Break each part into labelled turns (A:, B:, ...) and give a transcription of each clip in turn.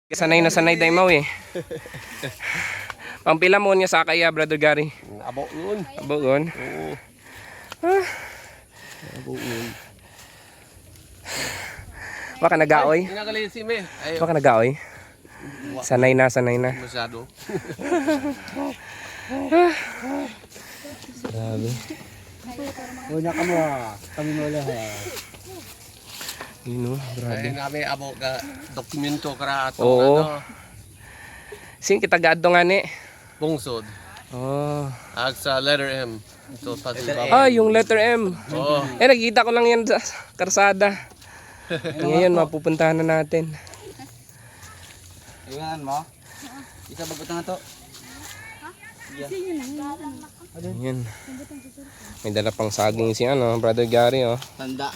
A: Sanay na sanay day mau eh. Pampila mo niya sa kaya, Brother Gary.
B: Abo yun.
A: Abo yun.
B: Oo. Abo yun.
A: Baka nagaoy.
B: Inagalay si Me. Ayaw.
A: Baka nagaoy. Sanay na, sanay na.
B: Masyado.
A: Grabe.
C: Una ka mo, kami mo lang ha.
A: Yun o,
B: Ay
A: grabe.
B: namin abo ka dokumento kara ato
A: Oo.
B: ano.
A: Sing kita gadto nga ni.
B: Bungsod.
A: Oh.
B: Ag sa letter M. Ito pati
A: Ah, yung letter M.
B: Oo.
A: Eh, nakikita ko lang yan sa karsada. Ngayon, mapupuntahan na natin.
C: Iwanan mo? Isa bagot na to.
A: Ayan. May dala pang saging si Brother Gary oh.
C: Tanda.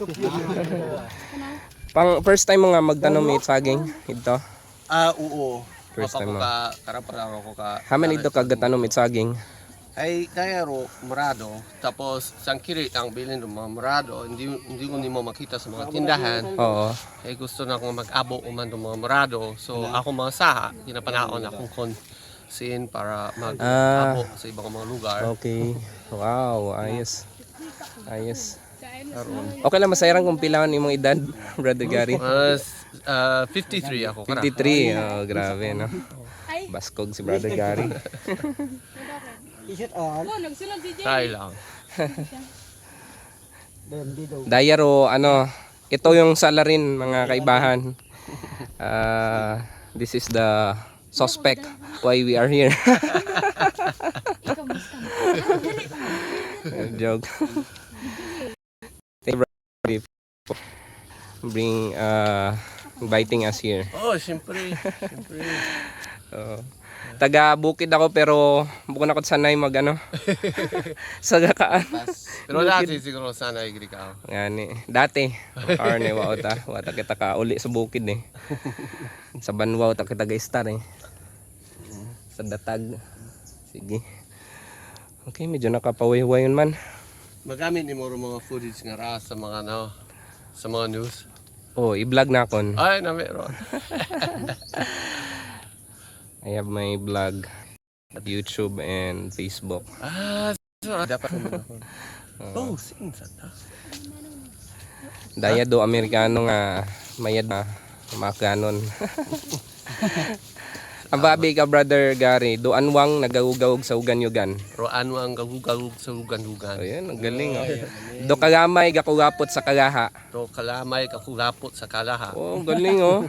A: Pang first time mo nga magtanom it saging ito.
B: Oo.
A: First time mo.
B: Ka karaparang ako ka.
A: Haman ito kagatanom it saging.
B: Ay kaya ro murado tapos sangkiri ang bilin ng mga murado hindi ko nimo makita sa mga tindahan.
A: Oo.
B: Ay gusto na akong mag-abo uman ng mga murado. So ako mga saha ginapanaon akong konsin para mag-abo sa ibang mga lugar.
A: Okay. Wow, ayos. Ayos. Okay lang masayran kung pilawan imong edad, Brother Gary.
B: 53 ako kara.
A: 53. Oh, grabe no. Baskog si Brother Gary.
C: T-shirt on.
B: Try lang.
A: Dayaro ito yung salarin mga kaibahan. This is the suspect why we are here. Joke. Thank you, Brother, for inviting us here.
B: Oh, siyempre.
A: Taga Bukid ako pero bukod ako sanay sa gakaan.
B: Pero dati siguro sana igri ka.
A: Ngani, dati karne wata kita ka uli sa Bukid eh. Sa Banwao ta kita ga-star eh. Sa Datag. Sige. Okay, medyo nakapawiwayon man.
B: Magamit ni mo ro mga footage nga ra sa mga sa mga news.
A: Oh, i-vlog na kon.
B: Ay, na meron.
A: I have my vlog at YouTube and Facebook.
B: So dapat mo. Oh, sing sa ta.
A: Daya do Amerikano nga mayad na makanon. Ang babi ka, Brother Gary, do anwang nagagugawog sa ugan-yugan.
B: Roan mo ang gagugagug sa hugan-hugan.
A: Ayan, ang galing oh. Do kagamay gakugapot sa kagaha.
B: Do kalamay kakulapot sa kalaha.
A: Oh, ang galing oh.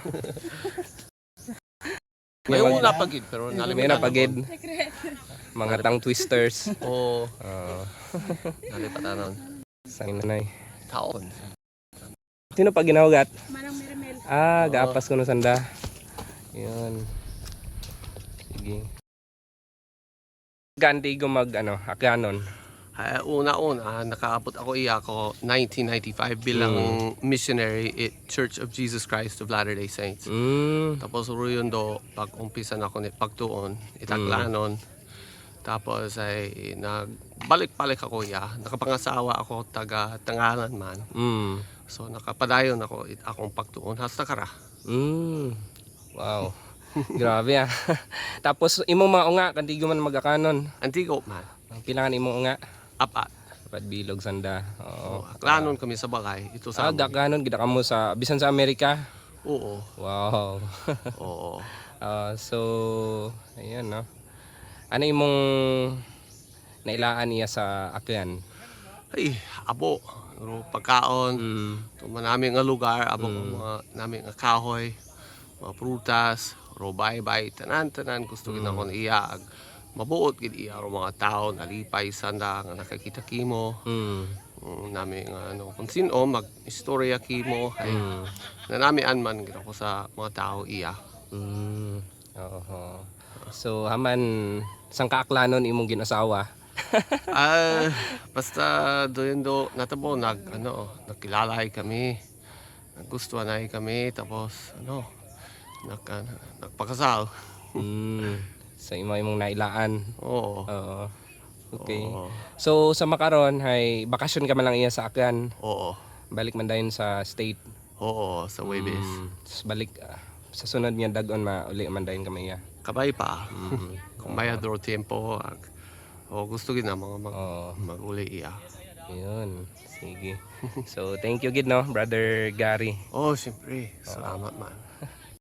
B: May una pagid pero
A: May
B: nalimutan.
A: napagid. Mga tang twisters.
B: Oh,
A: Oh,
B: nalipatanon.
A: sanay.
B: Taon.
A: Sino pa ginawagat?
D: Manang Merimel.
A: Gaapas ko no sanda. Yun. Sige. Gandi ko akanon.
B: Una-una, nakaabot ako ko 1995 bilang missionary at Church of Jesus Christ of Latter-day Saints. Tapos yun pag-umpisa na ako ni pagtuon, itaklanon. Tapos ay nagbalik-balik ako nakapangasawa ako taga Tangalan man. So nakapadayon ako akong pagtuon hasta kara.
A: Wow. Grabe ah. Tapos imong mga unga kandigo man magakanon.
B: Antigo man.
A: Pilangan imong unga.
B: Apat.
A: Dapat bilog sanda. Oo.
B: Aklanon kami sa balay. Ito sa amin.
A: Gakanon gid kamo sa bisan sa Amerika.
B: Oo.
A: Wow.
B: Oo.
A: So ayan no. Ano imong nailaan niya sa akyan?
B: Ay, abo. Pero pagkaon. Ito namin nga lugar. Abo mga namin nga kahoy. Mga prutas. Robay-bay. Tanan-tanan. Gusto gina ko iya. Mabuot gid iya ro mga tao nalipay sanda nga nakakita kimo. Nami nga kung sino mag-istorya kimo ay nanamian man gid ako sa mga tao iya.
A: Oo. So haman sang kaaklanon imong ginasawa?
B: Basta doon natabo nagkilalay kami. Nagustuhan na kami tapos nagpakasal.
A: Sa imong nailaan.
B: Oo.
A: Oo. Okay.
B: Oo.
A: So sa makaron hay bakasyon ka man lang iya sa akyan.
B: Oo.
A: Balik man dayon sa state.
B: Oo, sa Waybase.
A: Tapos balik sa sunod niya dagon uli man dayon kami ya.
B: Kabay pa.
A: Mm.
B: Kung may draw tempo, o gusto gid na mga
A: Oo.
B: mag-uli iya.
A: Yun. Sige. So, thank you gid no, Brother Gary.
B: Oh, siyempre. Salamat man.